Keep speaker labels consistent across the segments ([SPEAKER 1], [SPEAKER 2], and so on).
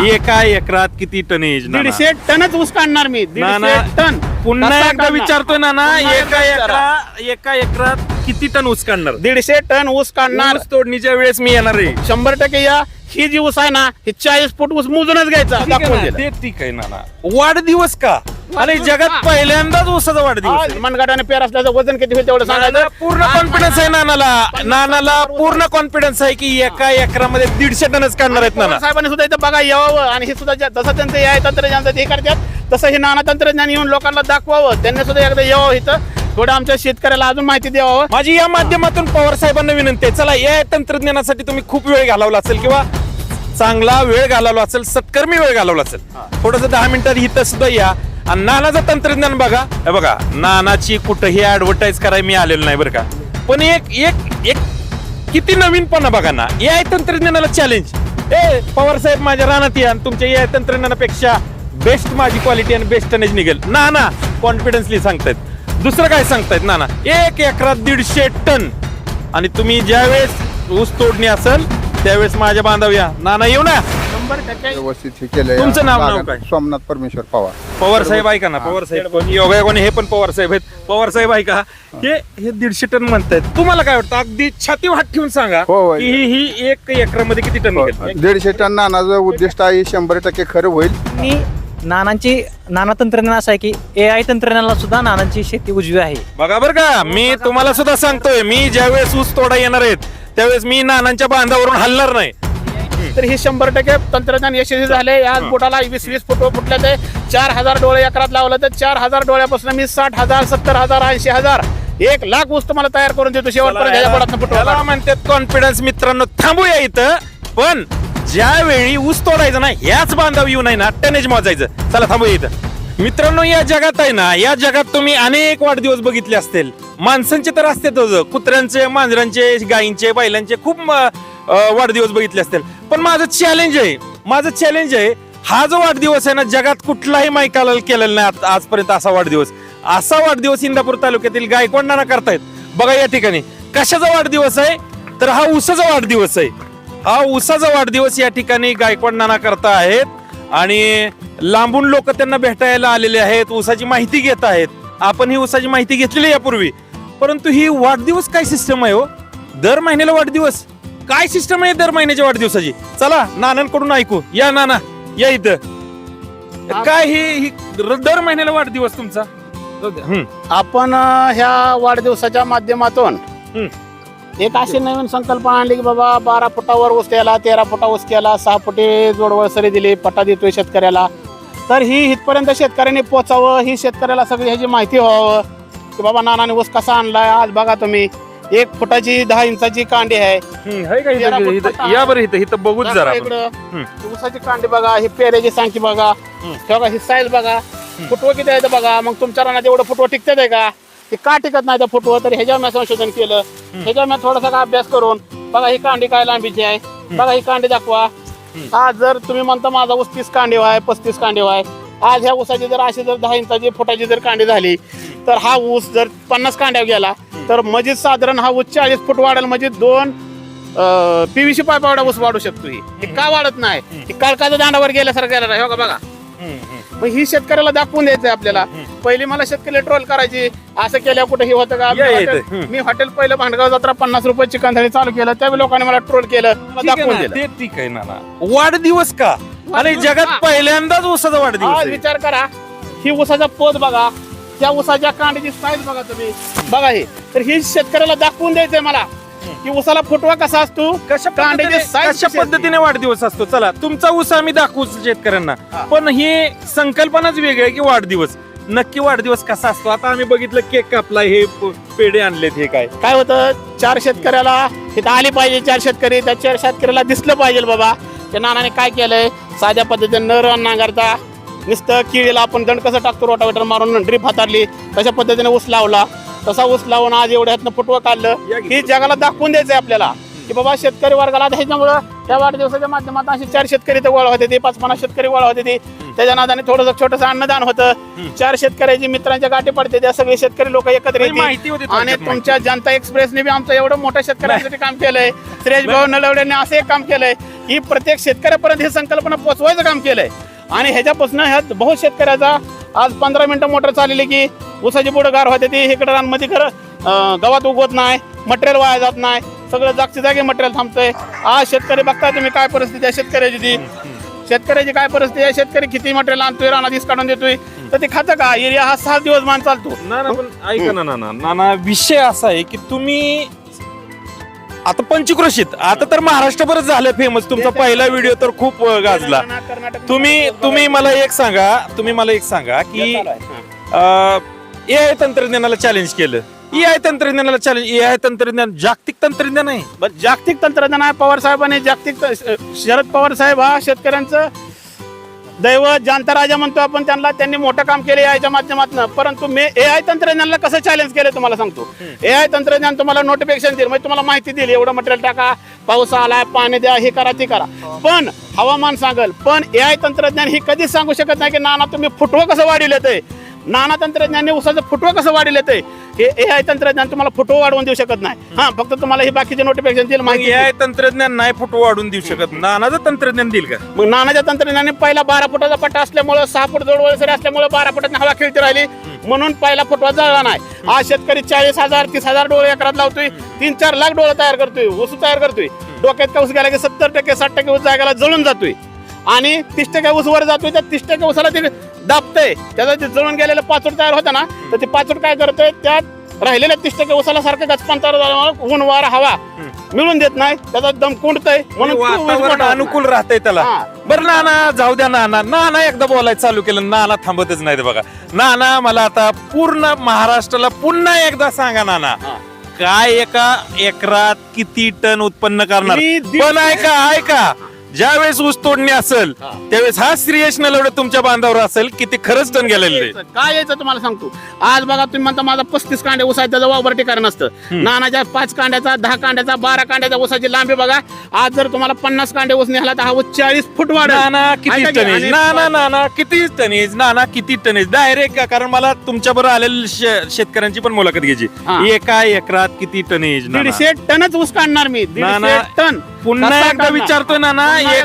[SPEAKER 1] एका एकरात किती टनेज?
[SPEAKER 2] 150 टनच ऊस काढणार मी. 150 टन.
[SPEAKER 1] पुन्हा एकदा विचारतोय नाना, एका एकरात किती टन ऊस काढणार?
[SPEAKER 2] 150 टन ऊस काढणार.
[SPEAKER 1] ऊस तोडणीच्या वेळेस मी येणार आहे.
[SPEAKER 2] 100% या. ही जी ऊस आहे ना, ही 40 फूट ऊस मोजूनच घ्यायचा.
[SPEAKER 1] ते ठीक आहे नाना. वाढदिवस का? आणि जगात पहिल्यांदाच ऊसाचा वाढदिवस.
[SPEAKER 2] मनगटाने पेर असल्याचं वजन किती होईल तेवढं सांगायचं.
[SPEAKER 1] पूर्ण कॉन्फिडन्स आहे नानाला पूर्ण कॉन्फिडन्स आहे की एका एकरामध्ये 150 टनच काढणार आहेत नाना.
[SPEAKER 2] साहेबांनी सुद्धा इथं बघा यावं आणि हे सुद्धा जसं त्यांचं हे तंत्रज्ञान हे करतात तसं हे नाना तंत्रज्ञान येऊन लोकांना दाखवावं. त्यांनी सुद्धा एकदा यावं इथं, थोडं आमच्या शेतकऱ्याला अजून माहिती द्यावं.
[SPEAKER 1] माझी या माध्यमातून पवार साहेबांना विनंती आहे, चला या तंत्रज्ञानासाठी तुम्ही खूप वेळ घालवला असेल किंवा चांगला वेळ घालवला असेल, सत्कर्मी वेळ घालवला असेल, थोडस 10 मिनिटात इथं सुद्धा या आणि नानाचं तंत्रज्ञान बघा. हे बघा, नानाची कुठेही ऍडव्हर्टाईज करायला मी आलेलो नाही बरं का, पण एक किती नवीनपणा बघा ना. या तंत्रज्ञानाला चॅलेंज. पवार साहेब माझ्या रानात या आणि तुमच्या या तंत्रज्ञानापेक्षा बेस्ट माझी क्वालिटी आणि बेस्ट टनेज निघेल. नाना कॉन्फिडन्सली सांगतायत. दुसरं काय सांगतायत नाना? एक एकरात 150 टन. आणि तुम्ही ज्यावेळेस ऊस तोडणी असेल त्यावेळेस माझ्या बांधव्या नाना येऊ ना.
[SPEAKER 2] 100%
[SPEAKER 3] व्यवस्थित हे केलंय.
[SPEAKER 1] तुमचं नाव काय?
[SPEAKER 3] सोमनाथ परमेश्वर पवार.
[SPEAKER 1] पवार साहेब ऐका ना, पवार साहेब योगायोगाने हे पण पवार साहेब आहेत. पवार साहेब ऐका, हे 150 टन म्हणतायत, तुम्हाला काय वाटतं? अगदी छाती हात ठेवून सांगा
[SPEAKER 3] हो.
[SPEAKER 1] की ही एक एकरामध्ये किती टन निघेल?
[SPEAKER 3] 150 टन नानाचं उद्दिष्ट आहे, 100% खरं होईल.
[SPEAKER 4] मी नाना तंत्रज्ञान असं आहे की AI तंत्रज्ञानाला सुद्धा नानांची शेती उजवी आहे.
[SPEAKER 1] बघा बरं का, मी तुम्हाला सुद्धा सांगतोय, मी ज्यावेळेस ऊस तोडा येणार आहेत त्यावेळेस मी नानांच्या बांधावरून हलणार नाही.
[SPEAKER 2] तर हे 100% तंत्रज्ञान यशस्वी झाले. याच बोटाला 20 फुट फुटले ते 4000 डोळे एकरात लावलं तर 4000 डोळ्यापासून मी 60,000 70,000 80,000 1 लाख ऊस तुम्हाला तयार करून देतो शेवटपर्यंत. ह्याच्या बोटातनं फुटवा.
[SPEAKER 1] त्याला म्हणतात कॉन्फिडन्स. मित्रांनो थांबूया इथं, पण ज्यावेळी ऊस तोडायचं ना ह्याच बांधाव येऊ नाही ना टनेज मोजायचं. चला थांबूया इथं. मित्रांनो या जगात आहे ना, या जगात तुम्ही अनेक वाढदिवस बघितले असतील. माणसांचे तर असतेच, कुत्र्यांचे, मांजरांचे, गायींचे, बैलांचे खूप वाढदिवस बघितले असतील. पण माझं चॅलेंज आहे हा जो वाढदिवस आहे ना, जगात कुठलाही मायकाला केलेला नाही आजपर्यंत असा वाढदिवस इंदापूर तालुक्यातील गायकवाड नाना करतायत. बघा या ठिकाणी कशाचा वाढदिवस आहे, तर हा ऊसाचा वाढदिवस आहे. हा ऊसाचा वाढदिवस या ठिकाणी गायकवाड नाना करता आहेत आणि लांबून लोक त्यांना भेटायला आलेले आहेत, ऊसाची माहिती घेत आहेत. आपण ही ऊसाची माहिती घेतलेली यापूर्वी, परंतु ही वाढदिवस काय सिस्टम आहे हो? दर महिन्याला वाढदिवस काय सिस्टम आहे दर महिन्याच्या वाढदिवसाची? चला नानांकडून ऐकू. या नाना या इथं. काय ही दर महिन्याला वाढदिवस तुमचा?
[SPEAKER 2] आपण ह्या वाढदिवसाच्या माध्यमातून एक अशी नवीन संकल्पना आणली की बाबा 12 फुटावर ऊस केला, 13 फुटा ऊस केला, 6 फुटे जोडवळ सरी दिली, पट्टा देतोय शेतकऱ्याला. तर ही इथपर्यंत शेतकऱ्यांनी पोचावं, ही शेतकऱ्याला सगळी ह्याची माहिती व्हावं की बाबा नानाने ऊस कसा आणलाय. आज बघा तुम्ही 1 फुटाची 10 इंचाची कांडी आहे.
[SPEAKER 1] या बरं इथं बघूच जरा.
[SPEAKER 2] इकडं ऊसाची कांडी बघा, ही पेऱ्याची सांगती बघा, ही साईज बघा, फुटवं किती आहे बघा. मग तुमच्या रानात एवढं फुटवं टिकतात आहे का? ते का टिकत नाही त्या फुटवं? तर ह्याच्यावर मी संशोधन केलं, ह्याच्यावर मी थोडासा अभ्यास करून बघा ही कांडी काय लांबीची आहे, बघा ही कांडी दाखवा. आज जर तुम्ही म्हणता माझा ऊस 30 कांडी आहे, 35 कांडी आहे, आज ह्या ऊसाची जर अशी जर 10 इंचाची फुटाची जर कांडी झाली तर हा ऊस जर 50 कांड्या गेला तर म्हणजे साधारण हा ऊस 40 फूट वाढेल. म्हणजे 2 PVC पाईप एवढा ऊस वाढू शकतो. हे का वाढत नाही? ही काळकाच्या दांडावर गेल्यासारखं गेला नाही बघा. मग ही शेतकऱ्याला दाखवून द्यायचंय आपल्याला. पहिली मला शेतकरी ट्रोल करायची, असं केल्या कुठे हे होतं का? मी हॉटेल पहिलं भांडगाव जत्रा 50 रुपये चिकन थाळी चालू केलं, त्यावेळी लोकांनी मला ट्रोल केलं, दाखवून दिलं.
[SPEAKER 1] ते ठीक आहे ना. वाढदिवस का? आणि जगात पहिल्यांदाच ऊसाचा वाढदिवस.
[SPEAKER 2] आज विचार करा, ही ऊसाचा पोत बघा, त्या ऊसाच्या कांडीची साईज बघा तुम्ही, बघा ही. तर ही शेतकऱ्याला दाखवून द्यायचंय मला की ऊसाला फुटवा कसा असतो, कांड्याची साईज
[SPEAKER 1] कशा पद्धतीने वाढदिवस असतो. चला तुमचा ऊस आम्ही दाखवू शेतकऱ्यांना, पण ही संकल्पनाच वेगळी आहे की वाढदिवस. नक्की वाढदिवस कसा असतो? आता आम्ही बघितलं केक कापला, हे पेढे आणलेत, हे काय
[SPEAKER 2] होतं? 4 शेतकऱ्याला इथं आली पाहिजे, 4 शेतकरी, त्या 4 शेतकऱ्याला दिसलं पाहिजे बाबा त्या नानाने काय केलंय. साध्या पद्धतीने न नांगरता नुसतं किळीला आपण दंड कसं टाकतो रोटावेटर मारून ड्रीप हातारली तशा पद्धतीने ऊस लावला. तसा ऊस लावून आज एवढ्यातनं फुटवं काढलं. ही जगाला दाखवून द्यायचंय आपल्याला की बाबा शेतकरी वर्गाला. ह्याच्यामुळं त्या वाढदिवसाच्या माध्यमातून असे 4 शेतकरी तर गोळा होते, 5-50 शेतकरी गोळा होते. ते त्याच्या नादाने थोडंसं छोटंसं अन्नदान होतं. 4 शेतकऱ्याची मित्रांच्या गाठी पडते, त्या सगळे शेतकरी लोक एकत्र येतील. आणि तुमच्या जनता एक्सप्रेसने बी आमचं एवढं मोठं शेतकऱ्यांसाठी काम केलंय. सुरेश भाऊ नलवडेने असं एक काम केलंय की प्रत्येक शेतकऱ्यापर्यंत ही संकल्पना पोहोचवायचं काम केलंय. आणि ह्याच्यापासून ह्या बहुत शेतकऱ्याचा आज 15 मिनिटं मोटर चालली की ऊसाची बुडं गार होते ती इकडे रानमध्ये खरं गवात उगवत नाही, मटेरियल वाया जात नाही, सगळं जागच्या जागी मटेरियल थांबतंय. आज शेतकरी बघताय तुम्ही काय परिस्थिती आहे शेतकऱ्याची ती. शेतकऱ्याची काय परिस्थिती आहे, शेतकरी किती मटेरियल आणतोय रानात ईस काढून देतोय तर ते खातं का. एरिया हा 7 दिवस मान चालतो.
[SPEAKER 1] ना पण ऐका ना नाना विषय असा आहे की तुम्ही आता पंचक्रोशीत आता तर महाराष्ट्रभरच झालं फेमस. तुमचा पहिला व्हिडिओ तर खूप गाजला. तुम्ही मला एक सांगा की एआय तंत्रज्ञानाला चॅलेंज केलं. एआय तंत्रज्ञानाला चॅलेंज, एआय तंत्रज्ञान जागतिक तंत्रज्ञान आहे.
[SPEAKER 2] बरं, जागतिक तंत्रज्ञान आहे. पवार साहेबांनी शरद पवार साहेब हा शेतकऱ्यांचं दैवत जाणता राजा म्हणतो आपण त्यांना. त्यांनी मोठं काम केलं एआयच्या माध्यमातून. परंतु मी एआय तंत्रज्ञानाला कसं चॅलेंज केलं तुम्हाला सांगतो. एआय तंत्रज्ञान तुम्हाला नोटिफिकेशन देईल, म्हणजे तुम्हाला माहिती देईल एवढं मटेरियल टाका, पाऊस आलाय, पाणी द्या, हे करा ते करा, पण हवामान सांगल. पण एआय तंत्रज्ञान ही कधीच सांगू शकत नाही की नाना तुम्ही फुटवं कसं वाढील येतंय, नाना तंत्रज्ञानाने ऊसाचं फुटवं कसं वाढील येतंय. हे एआय तंत्रज्ञान तुम्हाला फुटवं वाढवून देऊ शकत नाही. हा, फक्त तुम्हाला हे बाकीचे नोटिफिकेशन देईल, माहिती
[SPEAKER 1] एआय तंत्रज्ञान नाही फुटो वाढून देऊ शकत. नानाचं तंत्रज्ञान देईल का.
[SPEAKER 2] मग नानाच्या तंत्रज्ञानाने पहिला 12 फुटाचा पट्टा असल्यामुळे 6 फूट जोडवळसरी असल्यामुळे 12 फुटात हवा खेळती राहिली म्हणून पहिला फुटवा जळला नाही. आज शेतकरी 40,000 30,000 डोळे एकरात लावतोय, 3-4 लाख डोळे तयार करतोय, ऊस तयार करतोय. डोक्यात का ऊस गेला की 70% 60% ऊस जागाला जळून जातोय आणि 30% ऊस वर जातोय. त्या 30% ऊसाला ते दाबतंय. त्याचा ते जळून गेलेलं पाचोट तयार होतं ना, तर ते पाचोट काय करतोय, त्यात राहिलेल्या 30% ऊसाला सारखं गचपांतर झाल्यामुळे ऊन वारा हवा मिळून देत नाही, त्याचा दम कुंडतय म्हणून
[SPEAKER 1] वातावरण अनुकूल राहतंय त्याला. बरं नाना जाऊ द्या. नाना एकदा बोलायचं चालू केलं, नाना थांबतच नाही. बघा नाना, मला आता पूर्ण महाराष्ट्राला पुन्हा एकदा सांगा नाना, काय एका एकरात किती टन उत्पन्न करणार. पण ऐका ज्यावेळेस ऊस तोडणी असेल त्यावेळेस हा श्रेयस नलवडे तुमच्या बांधावर असेल की ते खरंच टन गेलेले.
[SPEAKER 2] काय यायचं तुम्हाला सांगतो. आज बघा तुम्ही म्हणता माझा 35 कांडे ऊस आहे, त्याचा वावरटी कारण असतं. नानाच्या 5 कांड्याचा 10 कांड्याचा 12 कांड्याचा ऊसाची लांबी बघा. आज जर तुम्हाला 50 कांडे ऊस निघाला तर हा ऊस 40 फूट वाढ.
[SPEAKER 1] नाना किती टनेज, नाना किती टनेज, नाना किती टनेज डायरेक्ट का. कारण मला तुमच्या बरोबर आलेल्या शेतकऱ्यांची पण मुलाखत घ्यायची. एका एकरात किती टनेज.
[SPEAKER 2] 150 टनच ऊस काढणार मी. 150 टन.
[SPEAKER 1] पुन्हा एकदा विचारतोय नाना,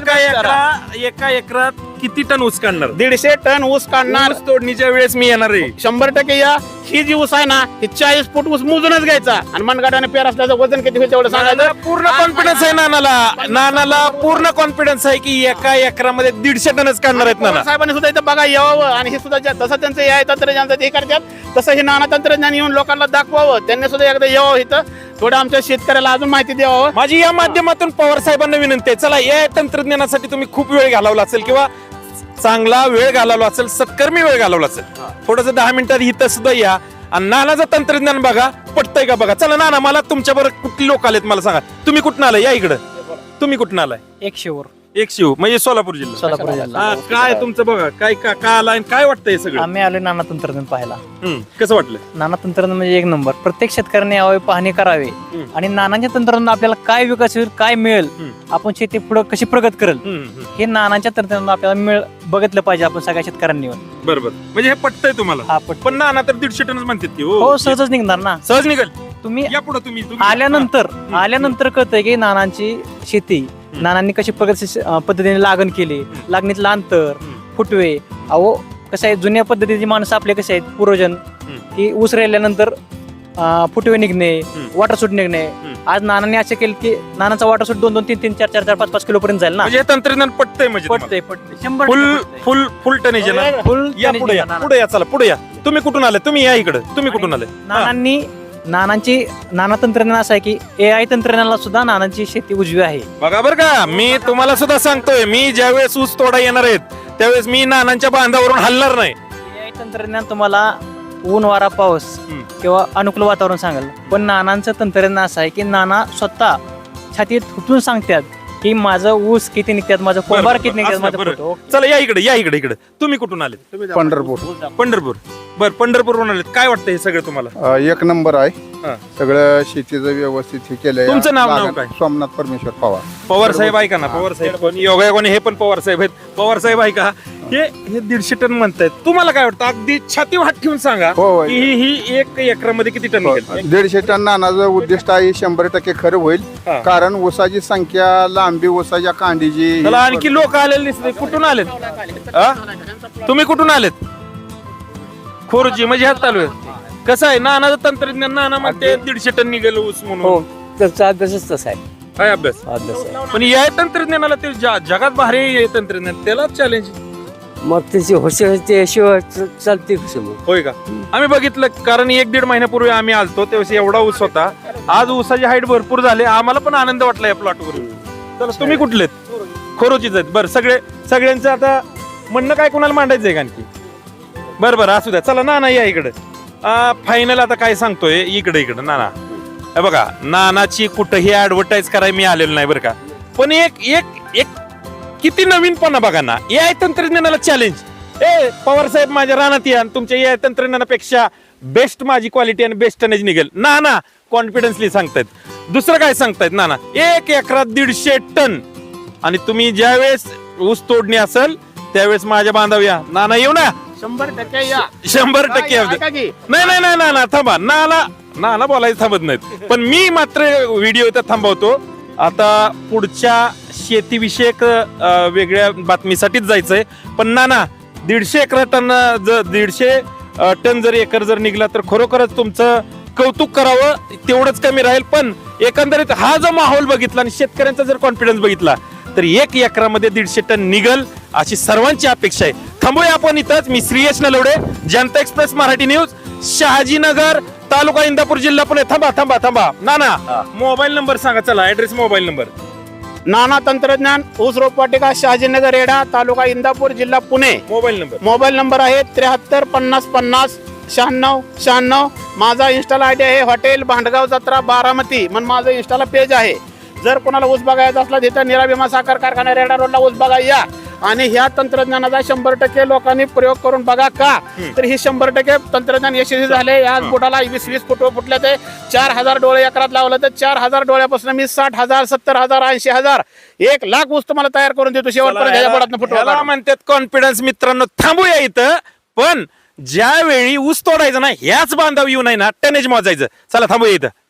[SPEAKER 1] एका एकरात किती टन ऊस काढणार.
[SPEAKER 2] 150 टन ऊस काढणार.
[SPEAKER 1] ऊस तोडणीच्या वेळेस मी येणार आहे.
[SPEAKER 2] 100% या. ही जी ऊस आहे ना, ही 40 फूट ऊस मोजूनच घ्यायचा आणि मनगाटाने पेर असल्याचं वजन किती होईल तेवढं सांगायचं.
[SPEAKER 1] पूर्ण कॉन्फिडन्स आहे नानाला पूर्ण कॉन्फिडन्स आहे की एका एकरामध्ये 150 टनच काढणार आहेत नाना.
[SPEAKER 2] साहेबांनी सुद्धा इथं बघा यावं आणि हे सुद्धा तसं त्यांचं एआय तंत्रज्ञान हे करतात तसं हे नाना तंत्रज्ञान येऊन लोकांना दाखवावं. त्यांनी सुद्धा एकदा यावं इथं, थोडं आमच्या शेतकऱ्याला अजून माहिती द्यावं.
[SPEAKER 1] माझी या माध्यमातून पवार साहेबांना विनंती आहे, चला या तंत्रज्ञानासाठी तुम्ही खूप वेळ घालवला असेल किंवा चांगला वेळ घालवला असेल, सत्कर्मी वेळ घालवला असेल, थोडस 10 मिनिटात इथं सुद्धा या आणि नानाचं तंत्रज्ञान बघा, पटतंय का बघा. चला नाना, मला तुमच्या बरोबर कुठली लोक आलेत मला सांगा. तुम्ही कुठून आलाय, या इकडं. तुम्ही कुठून आलाय.
[SPEAKER 4] 100
[SPEAKER 1] 100 म्हणजे सोलापूर जिल्हा. काय तुमचं बघा, काय का आलाय, काय वाटतंय सगळं.
[SPEAKER 4] आम्ही आलो नाना तंत्रज्ञान पाहायला.
[SPEAKER 1] कसं वाटलं.
[SPEAKER 4] नाना तंत्रज्ञान म्हणजे एक नंबर. प्रत्येक शेतकऱ्याने यावे, पाहणी करावी आणि नानाच्या तंत्रज्ञान आपल्याला काय विकास होईल, काय मिळेल, आपण शेती पुढे कशी प्रगत करेल, हे नानाच्या तंत्रज्ञान आपल्याला बघितलं पाहिजे आपण सगळ्या शेतकऱ्यांनी.
[SPEAKER 1] बरोबर, म्हणजे हे पटतंय तुम्हाला.
[SPEAKER 4] हा
[SPEAKER 1] पण नाना तर 150 टनच म्हणतात की.
[SPEAKER 4] हो, सहजच निघणार ना.
[SPEAKER 1] सहज निघेल.
[SPEAKER 4] तुम्ही
[SPEAKER 1] या पुढे तुम्ही
[SPEAKER 4] आल्यानंतर कळतंय की नानांची शेती, नानांनी कशी प्रगत पद्धतीने लागण केली, लागणीतलं अंतर, फुटवे. अहो कसं आहे, जुन्या पद्धतीची माणसं आपले कसे आहेत पूर्वजन, की ऊस राहिल्यानंतर फुटवे निघणे, वॉटर सूट निघणे. आज नानांनी असं केलं की नानाचा वॉटर सूट 2-2, 3-3, 4-4, 4-5 किलो पर्यंत जाईल ना.
[SPEAKER 1] म्हणजे तंत्रज्ञान पटतंय. म्हणजे
[SPEAKER 4] पटतंय 100
[SPEAKER 1] फुल टनेज आहे ना.
[SPEAKER 4] फुल
[SPEAKER 1] या पुढे या चला पुढे या. तुम्ही कुठून आले, तुम्ही या इकडे. तुम्ही कुठून आले.
[SPEAKER 4] नाना तंत्रज्ञान असं आहे की एआय तंत्रज्ञानाला सुद्धा नानांची शेती उजवी आहे.
[SPEAKER 1] बघा बरं का, मी तुम्हाला सुद्धा सांगतोय, मी ज्यावेळेस ऊस तोडा येणार आहेत त्यावेळेस मी नानांच्या बांधावरून हलणार नाही.
[SPEAKER 4] एआय तंत्रज्ञान तुम्हाला ऊन वारा पाऊस किंवा अनुकूल वातावरण सांगेल, पण नानांचं तंत्रज्ञान असं आहे की नाना स्वतः छातीत उठून सांगतात की माझं ऊस किती निघतात, माझं कोंबार किती निघतात, माझं फोटो.
[SPEAKER 1] चला या इकडे. तुम्ही कुठून आले. पंढरपूर. बर, पंढरपूरवरून आलेत. काय वाटतं हे सगळं तुम्हाला.
[SPEAKER 3] एक नंबर आहे. सगळं शेतीचं व्यवस्थित हे केलंय.
[SPEAKER 1] तुमचं नाव काय.
[SPEAKER 3] सोमनाथ परमेश्वर पवार.
[SPEAKER 1] पवार साहेब ऐका ना, पवार साहेब पण योगायोगाने हे पण पवार साहेब आहेत. पवार साहेब ऐका, हे 150 टन म्हणतायत. तुम्हाला काय वाटतं अगदी छाती हात ठेवून सांगा
[SPEAKER 3] हो.
[SPEAKER 1] की ही 1 एकरामध्ये किती टन निघेल?
[SPEAKER 3] 150 टन नानाचं उद्दिष्ट आहे 100% खरं होईल.
[SPEAKER 1] हा.
[SPEAKER 3] कारण ऊसाची संख्या, लांबी ऊसाच्या कांडीची
[SPEAKER 1] त्याला आणखी लोक आलेले दिसते. कुठून आलेत? हा? तुम्ही कुठून आलेत? खोरची म्हणजे ह्यात चालू आहे. कसं आहे नानाचं तंत्रज्ञान? नाना म्हणते 150 टन निघेल ऊस
[SPEAKER 5] हो
[SPEAKER 1] म्हणून.
[SPEAKER 5] त्याचा अभ्यासच तसा आहे.
[SPEAKER 1] काय अभ्यास?
[SPEAKER 5] अभ्यास आहे.
[SPEAKER 1] पण या तंत्रज्ञानाला ते जगात भारी आहे तंत्रज्ञान, त्याला चॅलेंज
[SPEAKER 5] मग त्याची होते शिवाय चालते कसं मग?
[SPEAKER 1] होय का? आम्ही बघितलं, कारण 1-1.5 महिन्यापूर्वी आम्ही आलतो तेव्हा एवढा ऊस होता. आज ऊसाची हाईट भरपूर झाली. आम्हाला पण आनंद वाटला या प्लॉटवर. तर तुम्ही कुठलेत? खोरोचीच आहेत. बरं, सगळ्यांचं आता म्हणणं काय कोणाला मांडायचंय का आणखी? बरं असू द्या. चला नाना या इकडे. फायनल आता काय सांगतोय, इकडे नाना. हे बघा, नानाची कुठंही ऍडव्हर्टाईज करायला मी आलेलो नाही बरं का. पण एक किती नवीनपणा बघा ना. AI तंत्रज्ञानाला चॅलेंज. पवार साहेब माझ्या रानात या, तुमच्या AI तंत्रज्ञानापेक्षा बेस्ट माझी क्वालिटी आणि बेस्ट टनेज निघेल. नाना कॉन्फिडन्सली सांगतायत. दुसरं काय सांगतायत नाना? 1 एकरात 150 टन. आणि तुम्ही ज्यावेळेस ऊस तोडणी असेल त्यावेळेस माझ्या बांधव या. नाना येऊ ना?
[SPEAKER 2] 100% या.
[SPEAKER 1] 100% येऊ दे.
[SPEAKER 2] ऐका की,
[SPEAKER 1] नाही नाना थांबा. नाना बोलायचं थांबत नाहीत. पण मी मात्र व्हिडिओ इथं थांबवतो. आता पुढच्या शेतीविषयक वेगळ्या बातमीसाठीच जायचंय. पण नाना 150 टन जर एकर जर निघला तर खरोखरच तुमचं कौतुक करावं तेवढंच कमी राहील. पण एकंदरीत हा जो माहोल बघितला आणि शेतकऱ्यांचा जर कॉन्फिडन्स बघितला तर 1 एकरामध्ये 150 टन निघल अशी सर्वांची अपेक्षा आहे. थांबूया आपण इथंच. मी श्रीयश नलवडे, जनता एक्सप्रेस मराठी न्यूज, शहाजीनगर, तालुका इंदापूर, जिल्हा पुणे. थांबा नाना, मोबाईल नंबर सांगा. चला ऍड्रेस, मोबाईल नंबर.
[SPEAKER 2] नाना तंत्रज्ञान, ऊस रोपवाटिका, शहाजीनगर, रेडा, तालुका इंदापूर, जिल्हा Pune.
[SPEAKER 1] Mobile number.
[SPEAKER 2] Mobile number आहे 73 50 50 96 96. माझा इन्स्टाला आयडी आहे हॉटेल भांडगाव जत्रा बारामती म्हणून माझं इन्स्टाला पेज आहे. जर कोणाला ऊस बघायचा असला तिथं निराभिमा साखर कारखाना रेडा रोडला ऊस बघा या. आणि ह्या तंत्रज्ञानाचा 100% लोकांनी प्रयोग करून बघा. का तर ही 100% तंत्रज्ञान यशस्वी झाले. आज बोटाला 20 फुटवे फुटले ते 4000 डोळे एकरात लावलं तर 4000 डोळ्यापासून मी 60,000 70,000 80,000 1,00,000 ऊस तुम्हाला तयार करून देतो शेवटपर्यंत. ह्याच्या बोटातनं फुटवा
[SPEAKER 1] ह्याला
[SPEAKER 2] काढून.
[SPEAKER 1] म्हणतात कॉन्फिडन्स. मित्रांनो थांबूया इथं. पण ज्यावेळी ऊस तोडायचं ना ह्याच बांधाव येऊ नाही ना टनेज मोजायचं. चला थांबूया इथं.